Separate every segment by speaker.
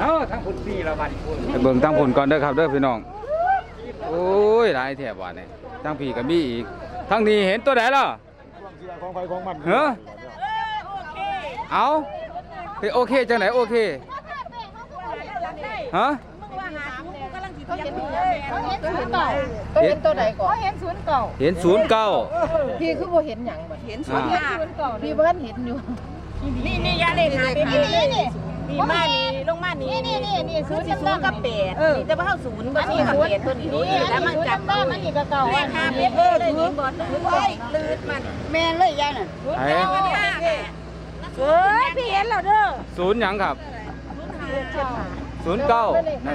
Speaker 1: ทั้งผล4ละบาท
Speaker 2: ไปเบิ่งตั้งผลก่อนเด้อครับเด้อพี่น้องโอ้ยหลายแถบว่านี่ตั้งพี่ก็มีอีกทั้งนี้เห็นตัวไหนล่ะ
Speaker 3: ของใครของมัน
Speaker 2: เฮ้อเอาโอเคจังไหนโอเคฮะ
Speaker 4: เห็นตัวใดก่อนเห็น09
Speaker 2: เห็น09
Speaker 4: พี่คือบ่เห็นหยังบ่เห็น09พี่เบิ่นเห็นอยู่
Speaker 5: นี่ยาเลขหาเป็นนี่มานี่ลงมานี่นี่0กับ8นี่จะมาเข้า0บ่นี่กับ8ตัวนี้แล้วมันจับบ้านมันนี่ก็เก่าเลข5เป็นเลยนี่บ่ลื่นมัน
Speaker 4: แม่นเลยยายน่ะ
Speaker 5: พี่เห็นแล้วเด้อ
Speaker 2: 0หยังครับ09นั่น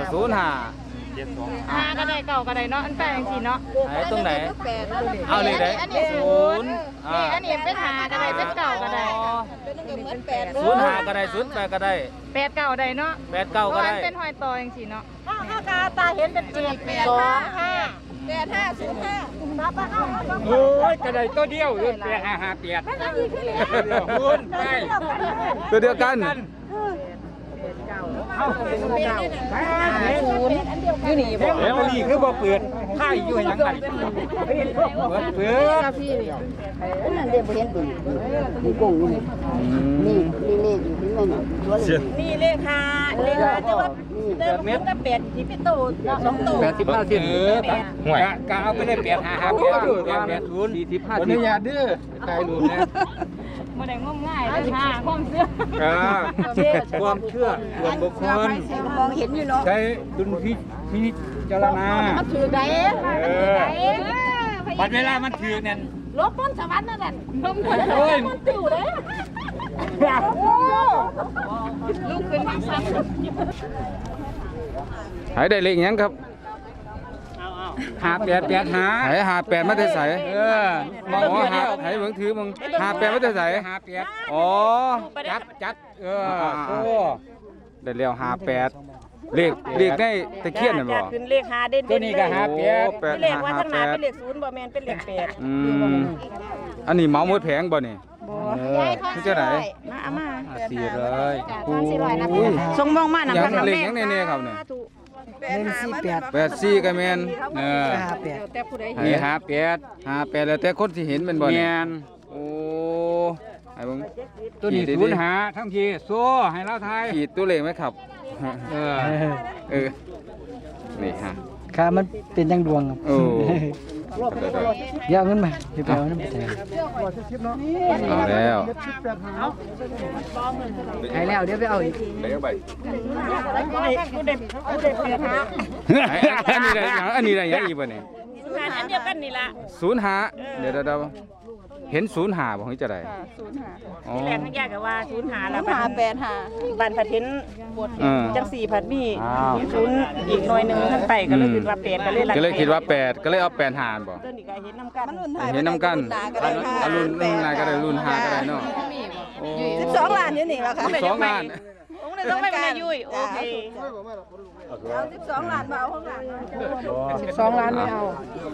Speaker 2: 05
Speaker 4: ก็ได้เก่าก็ได้เนาะอันแปลงสิเนาะ
Speaker 2: ไหนตรงไหนเอาเลยได้
Speaker 4: อันนี้0นี่อันนี้เป็น5ก็ได้เป็นเก่าก็ได้
Speaker 2: 05ก็ได้08ก็ได้
Speaker 4: 8เก่าได้เนาะ
Speaker 2: 89ก็ได้
Speaker 4: เป็นหอยตอจังซี่เนาะ
Speaker 5: ตาเห็นเป็น7 2 5 8505มาเข้า
Speaker 1: โอ้ยกระไดตัวเดียว8 5 5 8คุณไป
Speaker 2: ตัวเดียวกัน
Speaker 4: อยู่นี่บ่
Speaker 1: แล้วนี่คือบ่เปิดไพ่อยู่หยังกันเปิด
Speaker 4: พี่
Speaker 5: นั่นเด้บ่เห็นเบิ่งมีกงอยู่นี่เลขอยู่ที่นั่นนี่เลข5เลข5แต่ว่าเติมมันก็8ที่เป็นโต2โต
Speaker 1: 85สิ้นห่วยกะเอาไปได้8 5 5 8
Speaker 2: 45
Speaker 1: อนุญาตเด้อถ่ายรูปนะ
Speaker 4: บ่ได้งมง่ายเด้อค่ะความเชื่อ
Speaker 1: ความเชื่อส่วนบุคคล
Speaker 5: มองเห็นอยู่เนาะ
Speaker 1: ใช้ดุลพิจารณา
Speaker 5: มันถือได้
Speaker 1: บัดเวลามันถือนั่น
Speaker 5: ลบต้นสวรรค์นั่นน่ะลมคนมันติวเด้ลูกขึ้นมาซ้
Speaker 2: หายได้เลขหยังครับ
Speaker 1: 5885
Speaker 2: หาย58มาแต่ไสมองหายเบิ่งถือมึง58มาแต่ไส
Speaker 1: 58
Speaker 2: อ๋อ
Speaker 1: จัดโอ้
Speaker 2: ได้แล้ว58เลขได้ตะเคียนนั่นบ่
Speaker 5: ขึ้นเลข5เด่นๆ
Speaker 1: ตัวนี้ก็
Speaker 5: 58เลขว่าทางหน้าเป็นเลข0บ่แม่นเป็นเลข8
Speaker 2: อันนี้เมาหมดแผงบ่นี่คือจังได๋
Speaker 5: มาเอามา
Speaker 2: 400โอ้ย
Speaker 5: ส่งมองมาน่ะ
Speaker 2: ยังเลขยังแน่ๆครับเนี่ย84ก็แม่น
Speaker 5: แต่ผู้ใดเ
Speaker 1: ให้
Speaker 2: 58แล้วแต่คนที่เห็นแม่นบ่นี่โอ้ให้เบิ่ง
Speaker 1: ตัวนี้05ทั้งทีโซ่ให้เราทาย
Speaker 2: ขีดตัวเลขไหมครับนี่ฮะ
Speaker 3: ค่ามันเป็นยังดวงครับ
Speaker 2: โอ้
Speaker 3: เดี๋ยวเอาเงินมาเดี๋ยวไปเอาเงินมาแทน
Speaker 2: เอาแล้ว
Speaker 3: ให้แล้วเดี๋ยวไปเอาอีก
Speaker 2: อันนี้ได้ยังอีกบ่เนี่ย
Speaker 5: อันเดียวกันนี่ล่ะ
Speaker 2: 05เดี๋ยวเห็น05บ่เฮ้ยจะได้
Speaker 5: 05ที่แรกทั้งยากก็ว่า05แล้ว85บ้านผัดเห็นจัง4ผัดมี0อีกหน่อยนึงท่านไปก็เลยคิดว่า8
Speaker 2: ก็เลยคิดว่า8ก็เลยเอา8หารบ่
Speaker 5: ตัวนี้ก็เห็นนำกัน
Speaker 2: เห็นนำกันรุ่นนายก็ได้รุ่น5ก็ได้เนาะ
Speaker 5: 12ล้านอยู่นี่ล่ะค่ะ
Speaker 2: 12ล้าน
Speaker 5: ต้องไม่เป็นยุ้ยโอเคเอา12ล้านมาเอาข้างหลัง
Speaker 4: 12ล้านไม่เอา